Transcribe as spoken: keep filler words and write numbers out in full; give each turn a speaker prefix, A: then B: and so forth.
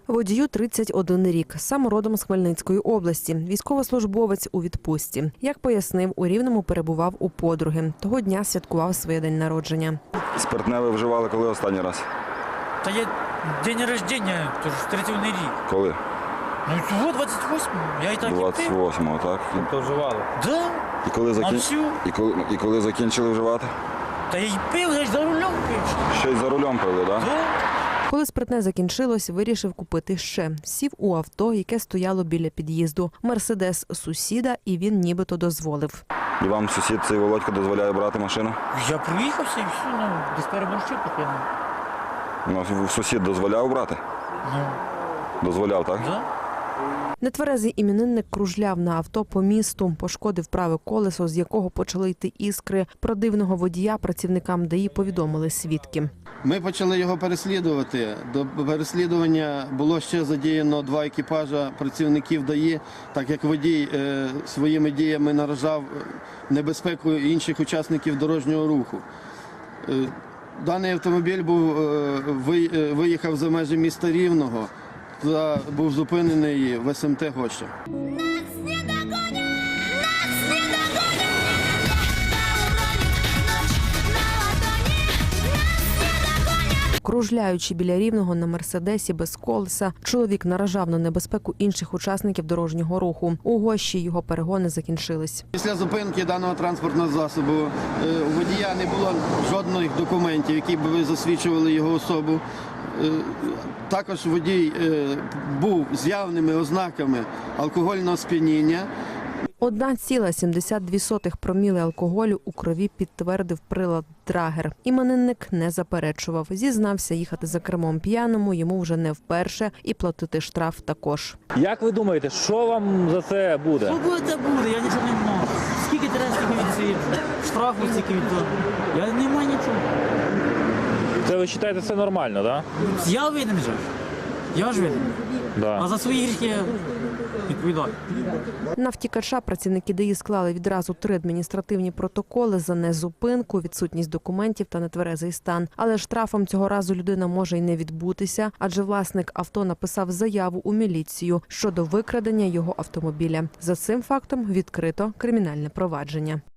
A: Водію тридцять один рік, сам родом з Хмельницької області, військовослужбовець у відпустці. Як пояснив, у Рівному перебував у подруги. Того дня святкував своє день народження.
B: Спиртне ви вживали коли останній раз?
C: Та я день народження, тож тридцять один рік.
B: Коли?
C: Ну цього двадцять восьмого, я і так і пив.
B: двадцять восьмого, так?
D: То вживали?
C: Да,
B: І коли,
C: на
B: закін...
C: всю.
B: і, коли... і коли закінчили вживати?
C: Та я й пив, я ж за рулем пив.
B: Ще й за рулем пили, так?
C: Да.
A: Коли спиртне закінчилось, вирішив купити ще. Сів у авто, яке стояло біля під'їзду. Мерседес сусіда, і він нібито дозволив.
B: І вам сусід цей Володько дозволяє брати машину?
C: Я проїхався і все, ну, десь переборщив таке.
B: Ну, сусід дозволяв брати?
C: Ну,
B: Дозволяв, так?
C: да.
A: Нетверезий іменинник кружляв на авто по місту, пошкодив праве колесо, з якого почали йти іскри. Про дивного водія працівникам ДАІ повідомили свідки.
E: Ми почали його переслідувати. До переслідування було ще задіяно два екіпажа працівників ДАІ, так як водій е, своїми діями наражав небезпеку інших учасників дорожнього руху. Е, даний автомобіль був, е, ви, е, виїхав за межі міста Рівного та був зупинений в ес ем те Гоща.
A: Кружляючи біля Рівного на Мерседесі без колеса, чоловік наражав на небезпеку інших учасників дорожнього руху. У Гощі його перегони закінчились.
E: Після зупинки даного транспортного засобу е, у водія не було жодних документів, які б засвідчували його особу. Е, Також водій е, був з явними ознаками алкогольного сп'яніння.
A: одна ціла сімдесят дві сотих проміли алкоголю у крові підтвердив прилад Драгер. Іменинник не заперечував. Зізнався, їхати за кермом п'яному йому вже не вперше і платити штраф також.
D: Як ви думаєте, що вам за це буде?
C: Що буде, це буде, я нічого не маю. Скільки треба, стільки від штрафу, стільки від того. Я не маю нічого.
D: Це ви вважаєте, це нормально, так?
C: Я винен же. Я ж винен.
D: Да?
C: А
D: Да.
C: за свої гріхи я відповідаю.
A: На втікача працівники ДАІ склали відразу три адміністративні протоколи за незупинку, відсутність документів та нетверезий стан. Але штрафом цього разу людина може й не відбутися, адже власник авто написав заяву у міліцію щодо викрадення його автомобіля. За цим фактом відкрито кримінальне провадження.